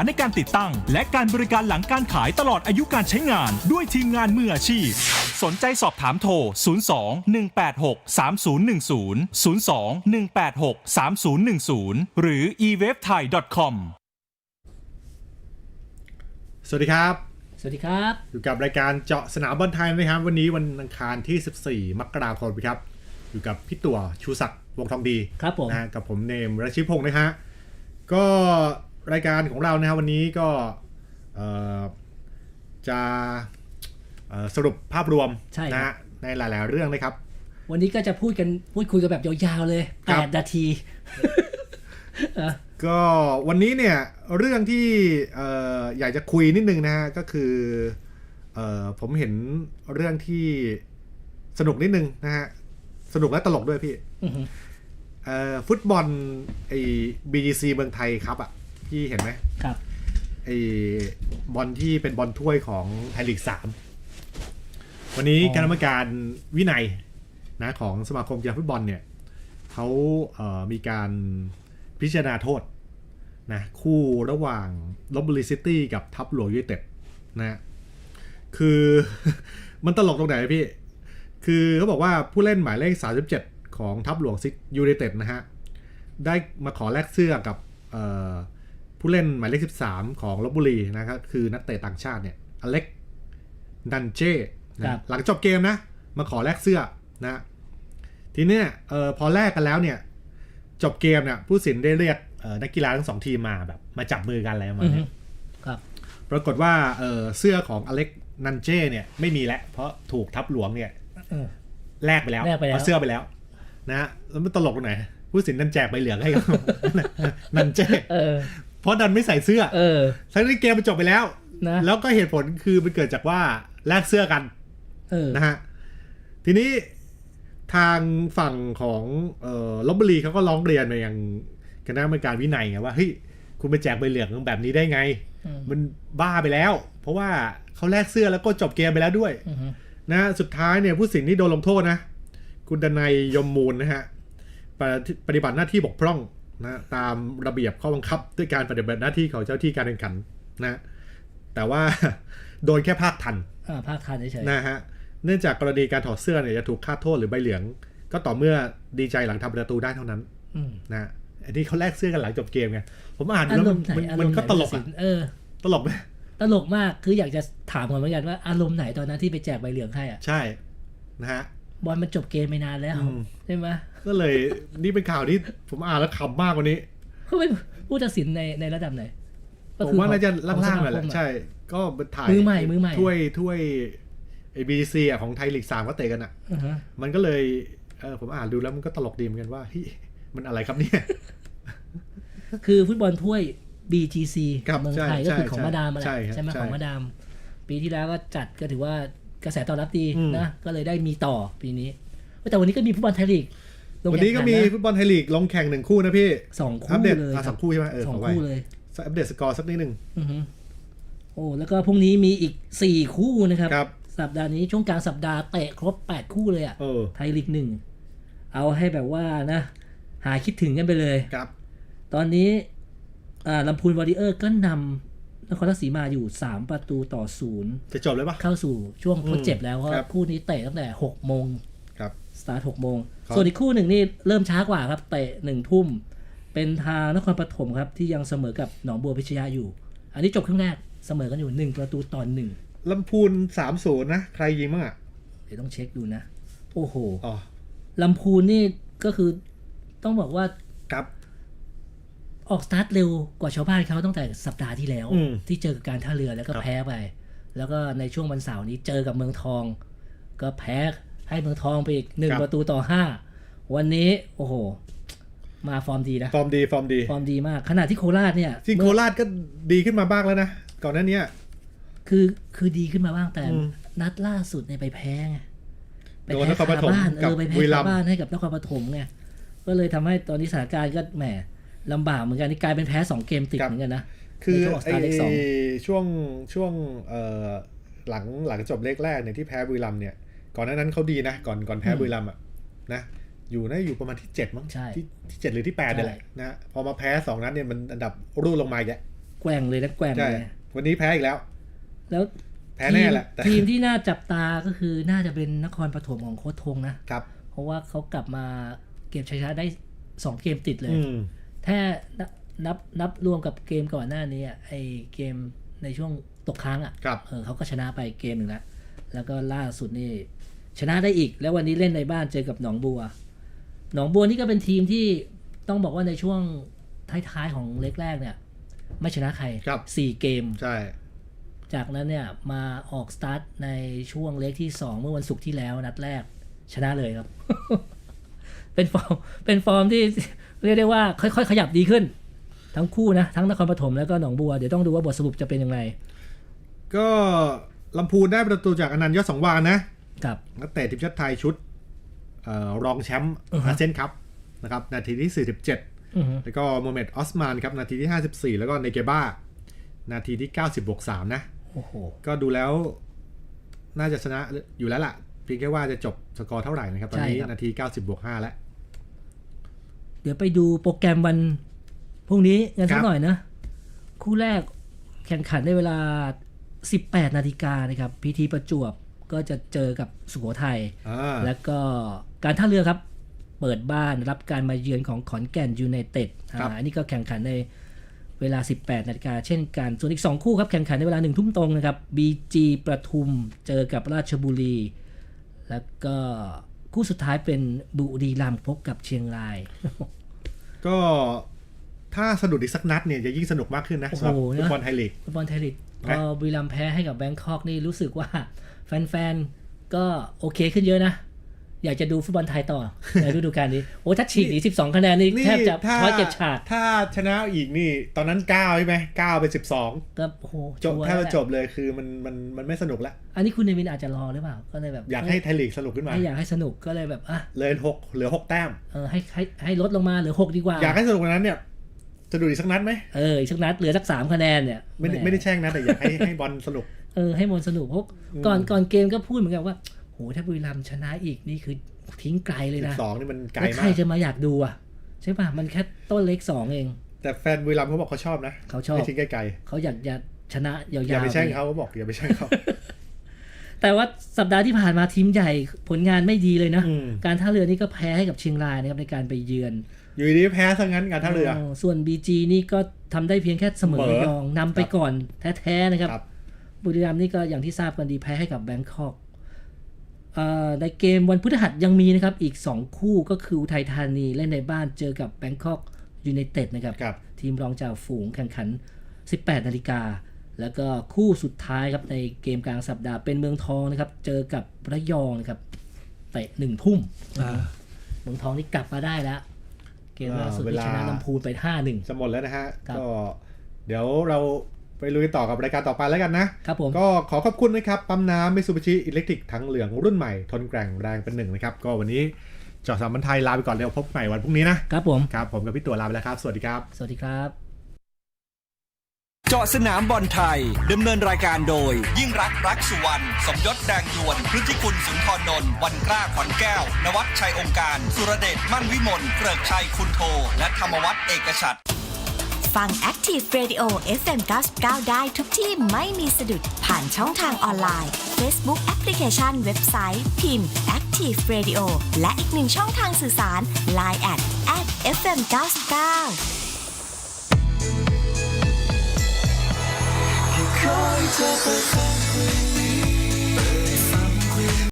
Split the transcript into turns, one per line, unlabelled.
ในการติดตั้งและการบริการหลังการขายตลอดอายุการใช้งานด้วยทีมงานมืออาชีพสนใจสอบถามโทร 02-186-3010 02-186-3010 หรือ ewebthai.com
สวัสดีครับ
สวัสดีครับ
อยู่กับรายการเจาะสนามบอลไทยนะครับวันนี้วันอังคารที่ 14 มกราคมครับอยู่กับพี่ตัวชูศักดิ์วงทองดี
ครับผม
นะกับผมเนมรัชชิพงศ์นะฮะก็รายการของเรานะฮะวันนี้ก็จะสรุปภาพรวมนะฮะในหลายๆเรื่องนะครับ
วันนี้ก็จะพูดคุยกันแบบยาวๆเลย8 นาที
ก็วันนี้เนี่ยเรื่องที่อยากจะคุยนิดนึงนะฮะก็คือผมเห็นเรื่องที่สนุกนิดนึงนะฮะสนุกและตลกด้วยพี่ฟุตบอลไอ้ BGC เมืองไทยครับอ่ะพี่เห็นไหม
ครับ
ไอ้บอลที่เป็นบอลถ้วยของไทยลีก3วันนี้คณะกรรมการวินัยนะของสมาคมกีฬาฟุตบอลเนี่ยเขามีการพิจารณาโทษนะคู่ระหว่างลพบุรีซิตี้กับทับหลวงยูไนเต็ดนะคือ มันตลกตรงไหนพี่คือเขาบอกว่าผู้เล่นหมายเลข37ของทับหลวงยูไนเต็ดนะฮะได้มาขอแลกเสื้อกับผู้เล่นหมายเลข13ของลพบุรีนะครับคือนักเตะต่างชาติเนี่ยอเล็กดันเจ้นะหลังจบเกมนะมาขอแลกเสื้อนะทีนี้พอแลกกันแล้วเนี่ยจบเกมเนี่ยผู้สินได้เรียกนักกีฬาทั้ง2ทีมมาแบบมาจับมือกันอะไรประมาณนี้
ครับ
ปรากฏว่าเสื้อของอเล็กนันเจ้เนี่ยไม่มีแล้วเพราะถูกทับหลวงเนี่ยแลกไปแล้วเอาเสื้อไปแล้วนะฮะแล้วมันตลกตรงไหนผู้สินดันแจกใบเหลืองให้กับนันเจ้เพราะดันไม่ใส่เสื้อทั้งที่เกมมันจบไปแล้วนะแล้วก็เหตุผลคือมันเกิดจากว่าแลกเสื้อกันนะฮะทีนี้ทางฝั่งของลพบุรีเขาก็ร้องเรียนมายังคณะกรรมการวินัยไงว่าเฮ้ยคุณไปแจกใบเหลืองแบบนี้ได้ไงมันบ้าไปแล้วเพราะว่าเขาแลกเสื้อแล้วก็จบเกมไปแล้วด้วยนะสุดท้ายเนี่ยผู้สินที่โดนลงโทษนะคุณดนัยยมมูลนะฮะปฏิบัติหน้าที่บกพร่องนะตามระเบียบข้อบังคับด้วยการปฏิบัติหน้าที่ของเจ้าที่การแข่งขันนะแต่ว่าโดนแค่ภาคทัน
เฉย
ๆนะฮะเนื่องจากกรณีการถอดเสื้อเนี่ยจะถูกคาดโทษหรือใบเหลืองก็ต่อเมื่อดีใจหลังทำประตูได้เท่านั้นนะอันนี้เขาแลกเสื้อกันหลังจบเกมไงผมอ่านแล้วมันก็ตลกอ่ะตลกไหม
ตลกมากคืออยากจะถามเหมือนกันว่าอารมณ์ไหนตอนนั้นที่ไปแจกใบเหลืองให้อ่ะ
ใช่นะฮะ
บอลมันจบเกมไปนานแล้วใช่ไหม
ก็เลยนี่เป็นข่าวที่ผมอ่านแล้วขำมากกว่านี้
เขาเป็นผู้ตัดสินในระดับไหน
ผมว่าน่าจะล่างๆแหละใช่ก็ถ่าย
มือใหม่
ถ้วยBGC อ่ะของไทยลีก3ก็เตะกันอ่ะมันก็เลยผมอ่านดูแล้วมันก็ตลกดีเหมือนกันว่าเฮ้ยมันอะไรครับเนี่ย
คือฟุตบอลถ้วย BGC เมืองไทยก็คือของมาดามอะไรใช่ไหมของมาดามปีที่แล้วก็จัดก็ถือว่ากระแสตอบรับดีนะก็เลยได้มีต่อปีนี้แต่วันนี้ก็มีฟุตบอลไทยลีก
วันนี้ก็มีฟุตบอลไทยลีกลงแข่ง1คู่นะพี่
2คู่
เลย2คู่ใช่ไหม
2คู่เลย
อัปเดตสกอร์สักนิดนึง
โอ้แล้วก็พรุ่งนี้มีอีก4คู่นะครับสัปดาห์นี้ช่วงกลางสัปดาห์เตะครบ8คู่เลยอ่ะไทยลีก1เอาให้แบบว่านะหาคิดถึงกันไปเลย
ครับ
ตอนนี้ลำพูนวอริเออร์ก็นำนครราชสีมาอยู่3-0จะ
จบเลยปะ
เข้าสู่ช่วงทดเจ็บแล้วเพราะคู่นี้เตะตั้งแต่ 6 โมง
ครับ
สตาร์ท 6 โมงส่วนอีกคู่หนึ่งนี่เริ่มช้ากว่าครับเตะ 1 ทุ่มเป็นทางนครปฐมครับที่ยังเสมอกับหนองบัวพิชยาอยู่อันนี้จบครึ่งแรกเสมอกันอยู่1-1
ลำพูน 3-0 นะใครยิงบ้างอ่ะ
เดี๋ยวต้องเช็คดูนะโอ้โหลำพูนนี่ก็คือต้องบอกว่า
ครับ
ออกสตาร์ทเร็วกว่าชาวบ้านเขาตั้งแต่สัปดาห์ที่แล้วที่เจอกับการท่าเรือแล้วก็แพ้ไปแล้วก็ในช่วงวันเสาร์นี้เจอกับเมืองทองก็แพ้ให้เมืองทองไปอีก1-5วันนี้โอ้โหมาฟอร์มดีนะ
ฟอร์ม
ดีมากขณะที่โคราชเนี่ย
ที่โคราชก็ดีขึ้นมาบ้างแล้วนะก่อนหน้านี้
คือดีขึ้นมาบ้างแต่นัดล่าสุดเนี่ยไปแพ้ไง
ไปแพ้คาบ้าน
ไปแพ้คาบ้านให้กับนครปฐมไงก็เลยทำให้ตอนนี้สถานการณ์ก็แหมลำบากเหมือนกันนี่กลายเป็นแพ้2เกมติดเหมือนกันนะ
คือช่วงหลังจบเลขแรกเนี่ยที่แพ้บุรีรัมย์เนี่ยก่อนหน้านั้นเขาดีนะก่อนแพ้บุรีรัมย์อ่ะนะอยู่ประมาณที่7มั้งที่7หรือที่8นี่แหละนะพอมาแพ้2นัดเนี่ยมันอันดับรูดลงมาอีกแล้ว
แกว่งเลยนะแกว่ง
ใช่
เลย
วันนี้แพ้อีกแล้ว
แล้ว
แพ้แน่แหละแต่
ทีมที่น่าจับตาก็คือน่าจะเป็นนครปฐมของโค้ชธงนะครับ เพราะว่าเขากลับมาเก็บชัยชนะได้2เกมติดเลยถ้านับรวมกับเกมก่อนหน้านี้ไอเกมในช่วงตกค้างเขาก็ชนะไปเกมหนึ่งแล้วก็ล่าสุดนี่ชนะได้อีกแล้ววันนี้เล่นในบ้านเจอกับหนองบัวนี่ก็เป็นทีมที่ต้องบอกว่าในช่วงท้ายๆของเล็กแรกเนี่ยไม่ชนะใคร4เกม
ใช่
จากนั้นเนี่ยมาออกสตาร์ทในช่วงเล็กที่2เมื่อวันศุกร์ที่แล้วนัดแรกชนะเลยครับ เป็นฟอร์มที่เรียกได้ว่าค่อยๆขยับดีขึ้นทั้งคู่นะทั้งนครปฐมแล้วก็หนองบัวเดี๋ยวต้องดูว่าบทสรุปจะเป็นยังไง
ก็ลำพูนได้ประตูจากอนันต์ยอดสังวาลนะครับนักเตะทีมชาติไทยชุดรองแชมป์อาเซียนคัพนะครับนาทีที่47แล้วก็โมเมดออสมานครับนาทีที่54แล้วก็เนเกบ้านาทีที่90+3นะ
โอ้โห
ก็ดูแล้วน่าจะชนะอยู่แล้วล่ะเพียงแค่ว่าจะจบสกอร์เท่าไหร่นะครับตอนนี้นาที90+5แล้ว
เดี๋ยวไปดูโปรแกรมวันพรุ่งนี้กันสักหน่อยนะคู่แรกแข่งขันในเวลา 18 นาฬิกานะครับพีทีประจวบก็จะเจอกับสุโขทัยแล้วก็การท่าเรือครับเปิดบ้านรับการมาเยือนของขอนแก่นยูไนเต็ดอันนี้ก็แข่งขันในเวลา 18 นาฬิกาเช่นกันส่วนอีก2คู่ครับแข่งขันในเวลา 1 ทุ่มตรงนะครับ BG ประทุมเจอกับราชบุรีแล้วก็คู่สุดท้ายเป็นบุรีรัมย์พบกับเชียงราย
ก็ถ้าสนุกอีกสักนัดเนี่ยจะยิ่งสนุกมากขึ้นนะสำหรับฟุตบอลไทยลีก
พอบุรีรัมย์แพ้ให้กับแบงคอกนี่รู้สึกว่าแฟนๆก็โอเคขึ้นเยอะนะอยากจะดูฟุตบอลไทยต่อในฤดูกาลนี้โอ้ถ้าฉีกหนี12คะแนนนี่แทบจะช้อยเก็บฉาด
ถ้าชนะอีกนี่ตอนนั้น9ใช่ไหม9เป็น12
ก็โอ้โห
จบแทบจะจบเลยคือมันไม่สนุกแล้ว
อันนี้คุณเนวินอาจจะรอหรือเปล่าก็เลยแบบ
อยากให้ไทยลีกสนุกขึ้นมา
อยากให้สนุกก็เลยแบบ
เลย6เหลือ6แต้ม
ให้ลดลงมาเหลือ6ดีกว่า
อยากให้สนุกกว่านั้นเนี่ยจะดูอีกสักนัดไหม
อีกสักนัดเหลือสัก3คะแนนเนี่ย
ไม่ได้แช่งนะแต่อยากให้บอลสนุก
ให้บอลสนุกเพราะก่อนเกมก็พูดเหมือนกันว่าโหถ้าบุรีรัมย์ชนะอีกนี่คือทิ้งไกลเลยนะ
12นี่มันไกลมาก
ใครจะมาอยากดูใช่ป่ะมันแค่ต้นเล็ก2เอง
แต่แฟนบุรีรัมย์เขาบอกเขาชอบนะ
เขาชอบ
ไม่ทิ้งไกล
เขาอยากจะชนะยาวๆ
อย่าไปแช่งเขาบอกอย่าไปแช่งเขา
แต่ว่าสัปดาห์ที่ผ่านมาทีมใหญ่ผลงานไม่ดีเลยนะการท่าเรือนี่ก็แพ้ให้กับเชียงรายนะครับในการไปเยือน
อยู่ดีแพ้ซะงั้นการท่าเรือ
ส่วน BG นี่ก็ทำได้เพียงแค่เสมอระยองนำไปก่อนแท้ๆนะครับบุรีรัมย์นี่ก็อย่างที่ทราบกันดีแพ้ให้กับแบงคอกในเกมวันพฤหัสยังมีนะครับอีก2คู่ก็คืออุทัยธานีเล่นในบ้านเจอกับแบงคอกยูไนเต็ดนะครับทีมรองจ่าฝูงแข่งขัน 18 นาฬิกาแล้วก็คู่สุดท้ายครับในเกมกลางสัปดาห์เป็นเมืองทองนะครับเจอกับระยองนะครับเตะ1 ทุ่มเมืองทองนี่กลับมาได้แล้วเกมล่าสุดที่ชนะลำพูนไป 5-1
จะหมดแล้วนะฮะก็เดี๋ยวเราไปลุยต่อกับรายการต่อไปแล้วกันนะครับ
ผม
ก็ขอขอบคุณนะครับปั๊มน้ำมิตซูบิชิอิเล็กทริกทั้งเหลืองรุ่นใหม่ทนแกร่งแรงเป็นหนึ่งนะครับก็วันนี้เจาะสามบันไทยลาไปก่อนเดี๋ยวพบใหม่วันพรุ่งนี้นะครับ
ผม
ผมกับพี่ตัวลาไปแล้วครับสวัสดีครับ
สวัสดีครับ
เจาะสนามบอลไทยดำเนินรายการโดยยิ่งรักสุวรรณสมยศแดงยวนพฤติคุณสุนทรนนท์วันกล้าขวัญแก้วนวัชชัยองค์การสุรเดชมั่นวิมลเกริกชัยคุณโทและธรรมวัฒน์เอกฉัตร
ฟัง Active Radio FM 99ได้ทุกที่ไม่มีสะดุดผ่านช่องทางออนไลน์ Facebook Application เว็บไซต์พิมพ์ Active Radio และอีกหนึ่งช่องทางสื่อสาร Line @FM 99
คอยเธอเปิดฟัง